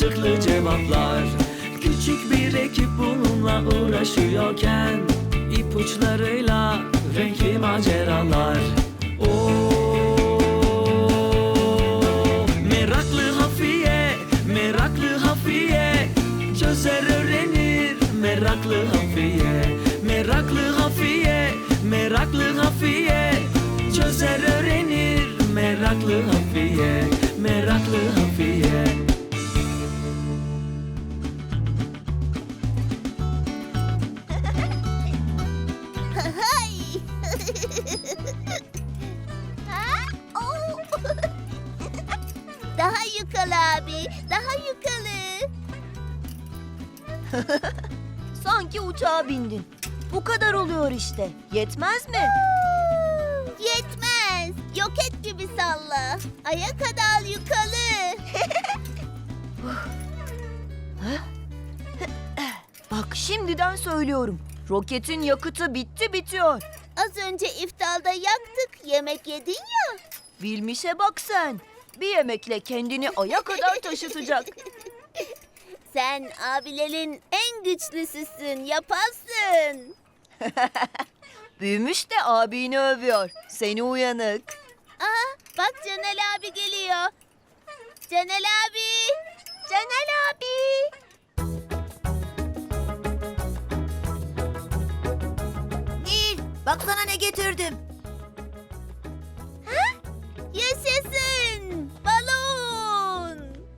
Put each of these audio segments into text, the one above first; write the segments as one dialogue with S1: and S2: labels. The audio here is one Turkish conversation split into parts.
S1: mantıklı cevaplar. Küçük bir ekip bununla uğraşıyorken ipuçlarıyla renkli maceralar. Meraklı Hafiye, meraklı Hafiye, çözer öğrenir meraklı Hafiye. Meraklı Hafiye, meraklı Hafiye, çözer öğrenir meraklı Hafiye. Meraklı Hafiye.
S2: Hay! Ha? Oo! Daha yukarı abi, daha yukarı.
S3: Sanki uçağa bindin. Bu kadar oluyor işte. Yetmez mi?
S2: Yetmez. Roket gibi salla. Aya kadar yukarı.
S3: Bak şimdiden söylüyorum. Roketin yakıtı bitti bitiyor.
S2: Az önce iftarda yaktık, yemek yedin ya.
S3: Bilmişe bak sen. Bir yemekle kendini aya kadar taşıtacak.
S2: Sen abilerin en güçlüsüsün, yaparsın.
S3: Büyümüş de abini övüyor. Seni uyanık.
S2: Aa, bak Canel abi geliyor. Canel abi. Canel abi.
S4: Nil, baksana ne getirdim.
S2: Yaşasın. Balon.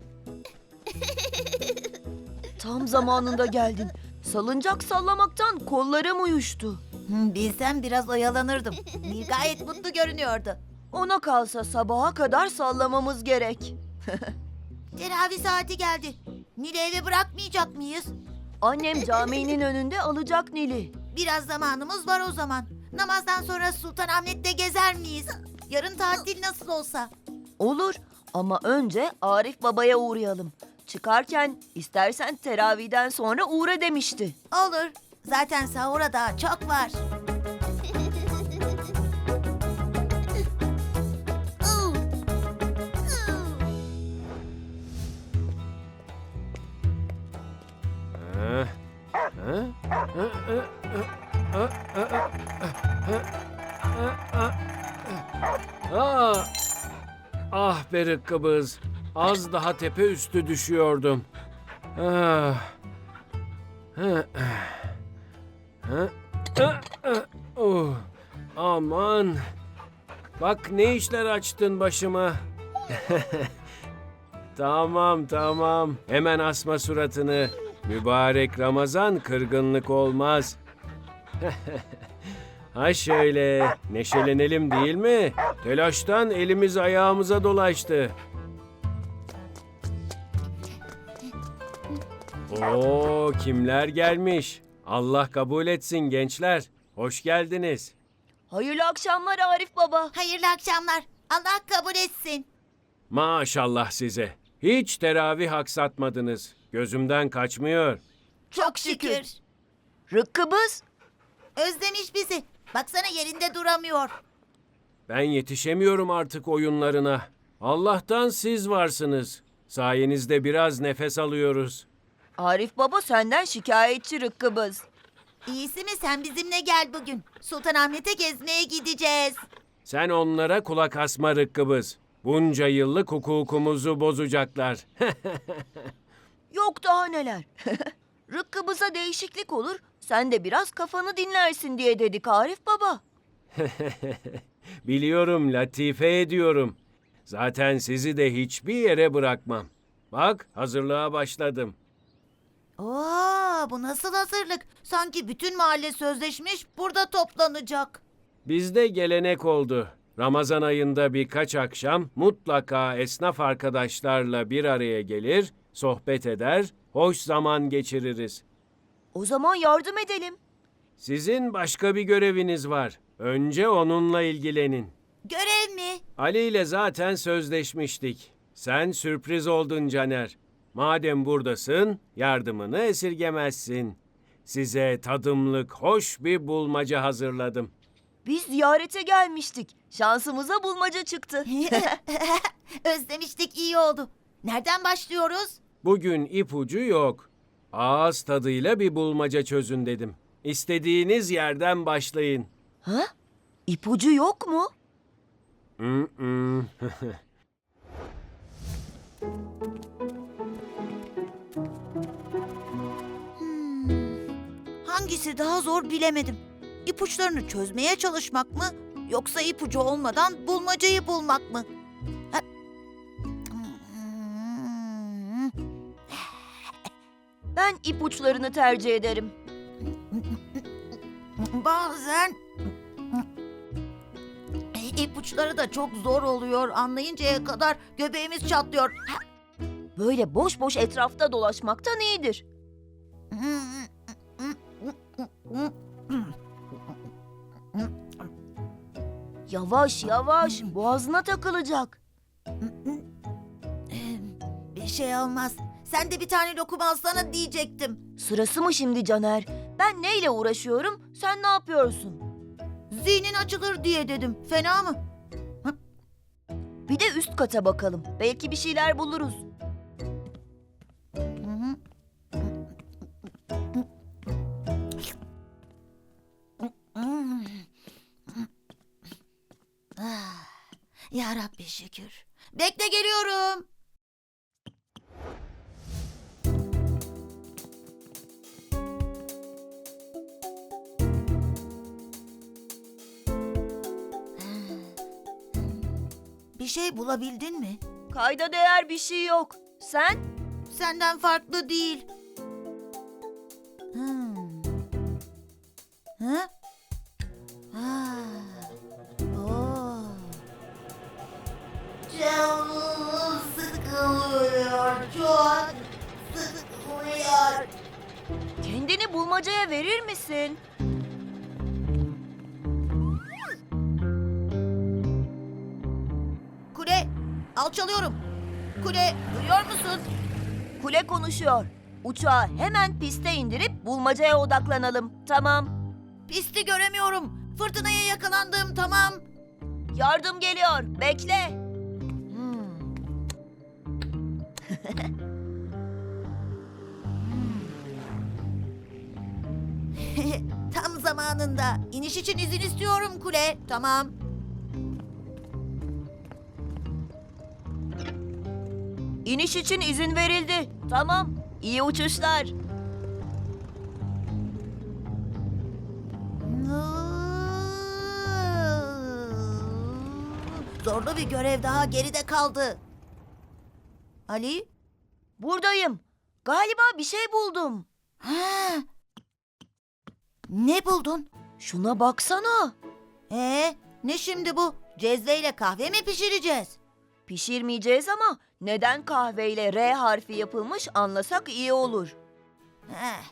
S3: Tam zamanında geldin. Salıncak sallamaktan kollarım uyuştu.
S4: Bilsem biraz oyalanırdım. Nil gayet mutlu görünüyordu.
S3: Ona kalsa sabaha kadar sallamamız gerek.
S4: Teravih saati geldi. Nil'i eve bırakmayacak mıyız?
S3: Annem caminin önünde alacak Nil'i.
S4: Biraz zamanımız var o zaman. Namazdan sonra Sultanahmet'te gezer miyiz? Yarın tatil nasıl olsa.
S3: Olur ama önce Arif Baba'ya uğrayalım. Çıkarken istersen teravihden sonra uğra demişti.
S4: Olur. Zaten sahura daha çok var.
S5: Ah be Rıkkıbız. Az daha tepe üstü düşüyordum. Ah. Oh. Aman. Bak ne işler açtın başıma. Tamam. Hemen asma suratını. Mübarek Ramazan kırgınlık olmaz. Ha şöyle, neşelenelim değil mi? Telaştan elimiz ayağımıza dolaştı. Oo, kimler gelmiş? Allah kabul etsin gençler. Hoş geldiniz.
S3: Hayırlı akşamlar Arif Baba.
S4: Hayırlı akşamlar. Allah kabul etsin.
S5: Maşallah size. Hiç teravih aksatmadınız. Gözümden kaçmıyor.
S4: Çok şükür.
S3: Rıkkıbız.
S4: Özlemiş bizi. Baksana yerinde duramıyor.
S5: Ben yetişemiyorum artık oyunlarına. Allah'tan siz varsınız. Sayenizde biraz nefes alıyoruz.
S3: Arif Baba senden şikayetçi Rıkkıbız.
S4: İyisi mi sen bizimle gel bugün. Sultanahmet'e gezmeye gideceğiz.
S5: Sen onlara kulak asma Rıkkıbız. Bunca yıllık hukukumuzu bozacaklar.
S3: Yok daha neler. Rıkkıbıza değişiklik olur. Sen de biraz kafanı dinlersin diye dedik Arif Baba.
S5: Biliyorum, latife ediyorum. Zaten sizi de hiçbir yere bırakmam. Bak, hazırlığa başladım.
S4: Oo, bu nasıl hazırlık? Sanki bütün mahalle sözleşmiş burada toplanacak.
S5: Bizde gelenek oldu. Ramazan ayında birkaç akşam mutlaka esnaf arkadaşlarla bir araya gelir, sohbet eder, hoş zaman geçiririz.
S3: O zaman yardım edelim.
S5: Sizin başka bir göreviniz var. Önce onunla ilgilenin.
S4: Görev mi?
S5: Ali ile zaten sözleşmiştik. Sen sürpriz oldun Caner. Madem buradasın, yardımını esirgemezsin. Size tadımlık hoş bir bulmaca hazırladım.
S3: Biz ziyarete gelmiştik. Şansımıza bulmaca çıktı.
S4: Özlemiştik iyi oldu. Nereden başlıyoruz?
S5: Bugün ipucu yok. Ağız tadıyla bir bulmaca çözün dedim. İstediğiniz yerden başlayın.
S3: Ha? İpucu yok mu?
S5: Mm-mm.
S4: Hangisi daha zor bilemedim. İpuçlarını çözmeye çalışmak mı yoksa ipucu olmadan bulmacayı bulmak mı? Ha-
S3: Ben ipuçlarını tercih ederim.
S4: Bazen ipuçları da çok zor oluyor. Anlayıncaya kadar göbeğimiz çatlıyor.
S3: Böyle boş boş etrafta dolaşmaktan iyidir. Yavaş yavaş, boğazına takılacak.
S4: Bir şey olmaz. Sen de bir tane lokum alsana diyecektim.
S3: Sırası mı şimdi Caner? Ben neyle uğraşıyorum, sen ne yapıyorsun?
S4: Zihnin açılır diye dedim. Fena mı?
S3: Bir de üst kata bakalım. Belki bir şeyler buluruz.
S4: Ya Rabbi şükür. Bekle geliyorum. Bir şey bulabildin mi?
S3: Kayda değer bir şey yok. Sen?
S4: Senden farklı değil. Ha? Oo. Canım sıkılıyor, çok sıkılıyor.
S3: Kendini bulmacaya verir misin?
S4: Kule, alçalıyorum. Kule, duyuyor musun?
S3: Kule konuşuyor. Uçağı hemen piste indirip bulmacaya odaklanalım. Tamam.
S4: Pisti göremiyorum. Fırtınaya yakalandım, tamam.
S3: Yardım geliyor. Bekle.
S4: Tam zamanında. İniş için izin istiyorum Kule, tamam.
S3: İniş için izin verildi. Tamam. İyi uçuşlar.
S4: Zorlu bir görev daha geride kaldı. Ali?
S3: Buradayım. Galiba bir şey buldum.
S4: Ha. Ne buldun?
S3: Şuna baksana.
S4: Ne şimdi bu? Cezveyle kahve mi pişireceğiz?
S3: Pişirmeyeceğiz ama neden kahveyle R harfi yapılmış anlasak iyi olur.
S4: Heh.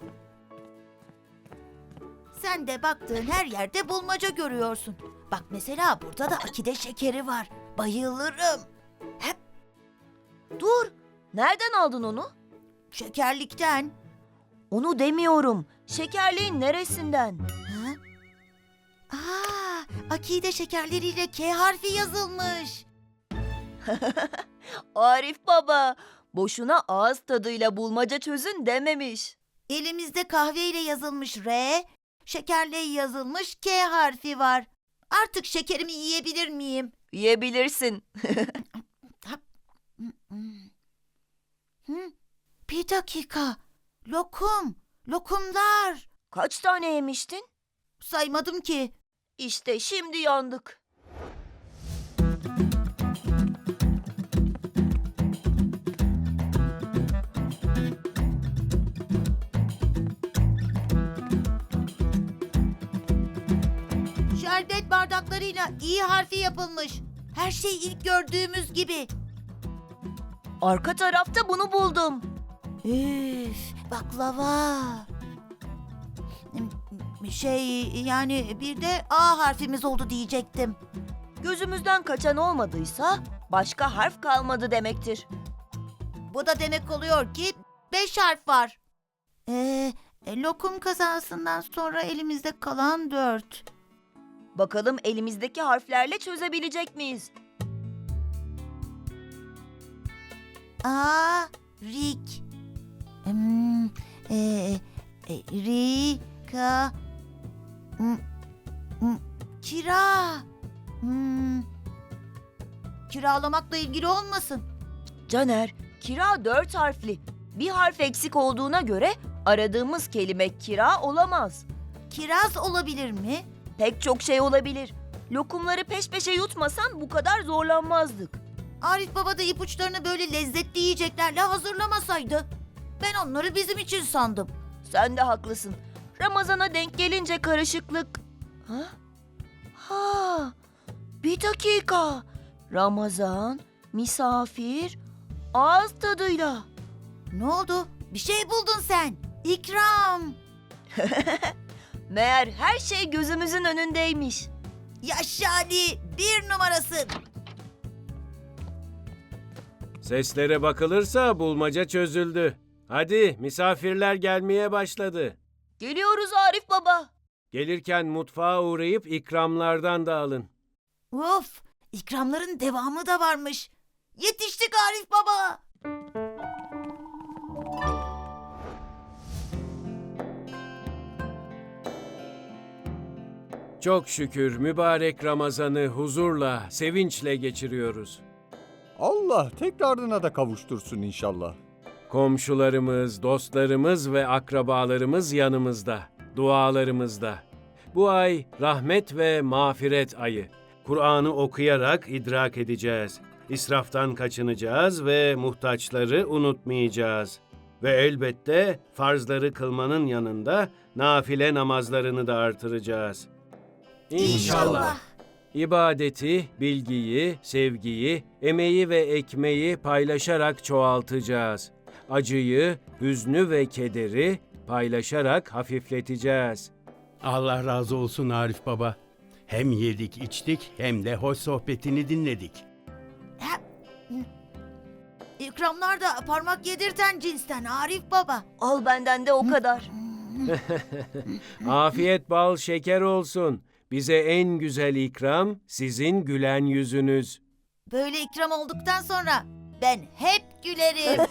S4: Sen de baktığın her yerde bulmaca görüyorsun. Bak mesela burada da akide şekeri var. Bayılırım. Hep
S3: Dur. Nereden aldın onu?
S4: şekerlikten.
S3: Onu demiyorum. Şekerliğin neresinden?
S4: Ha? Akide şekerleriyle K harfi yazılmış.
S3: Arif baba. Boşuna ağız tadıyla bulmaca çözün dememiş.
S4: Elimizde kahveyle yazılmış R, şekerle yazılmış K harfi var. Artık şekerimi yiyebilir miyim?
S3: Yiyebilirsin.
S4: Bir dakika. Lokumlar.
S3: Kaç tane yemiştin?
S4: Saymadım ki.
S3: İşte şimdi yandık.
S4: Şerbet bardaklarıyla İ harfi yapılmış. Her şey ilk gördüğümüz gibi.
S3: Arka tarafta bunu buldum.
S4: Üf, baklava. Yani bir de A harfimiz oldu diyecektim.
S3: Gözümüzden kaçan olmadıysa başka harf kalmadı demektir.
S4: Bu da demek oluyor ki 5 harf var. Lokum kazasından sonra elimizde kalan 4.
S3: Bakalım elimizdeki harflerle çözebilecek miyiz?
S4: A, Rik. Rika. Kira. Kiralamakla ilgili olmasın?
S3: Caner, kira 4 harfli. Bir harf eksik olduğuna göre aradığımız kelime kira olamaz.
S4: Kiraz olabilir mi?
S3: Pek çok şey olabilir. Lokumları peş peşe yutmasan bu kadar zorlanmazdık.
S4: Arif Baba da ipuçlarını böyle lezzetli yiyeceklerle hazırlamasaydı. Ben onları bizim için sandım.
S3: Sen de haklısın. Ramazana denk gelince karışıklık... Ha? Ha! Bir dakika. Ramazan, misafir, ağız tadıyla.
S4: Ne oldu? Bir şey buldun sen. İkram.
S3: Meğer her şey gözümüzün önündeymiş.
S4: Yaşa Ali, 1 numarasın.
S5: Seslere bakılırsa bulmaca çözüldü. Hadi misafirler gelmeye başladı.
S3: Geliyoruz Arif Baba.
S5: Gelirken mutfağa uğrayıp ikramlardan da alın.
S4: Of, ikramların devamı da varmış. Yetiştik Arif Baba.
S5: Çok şükür mübarek Ramazan'ı huzurla, sevinçle geçiriyoruz.
S6: Allah tekrarına da kavuştursun inşallah.
S5: Komşularımız, dostlarımız ve akrabalarımız yanımızda, dualarımızda. Bu ay rahmet ve mağfiret ayı. Kur'an'ı okuyarak idrak edeceğiz. İsraftan kaçınacağız ve muhtaçları unutmayacağız. Ve elbette farzları kılmanın yanında nafile namazlarını da artıracağız. İnşallah. İbadeti, bilgiyi, sevgiyi, emeği ve ekmeği paylaşarak çoğaltacağız. Acıyı, hüznü ve kederi paylaşarak hafifleteceğiz.
S7: Allah razı olsun Arif Baba. Hem yedik içtik hem de hoş sohbetini dinledik.
S4: İkramlar da parmak yedirten cinsten Arif Baba.
S3: Al benden de o kadar.
S5: Afiyet bal şeker olsun. Bize en güzel ikram sizin gülen yüzünüz.
S4: Böyle ikram olduktan sonra ben hep gülerim.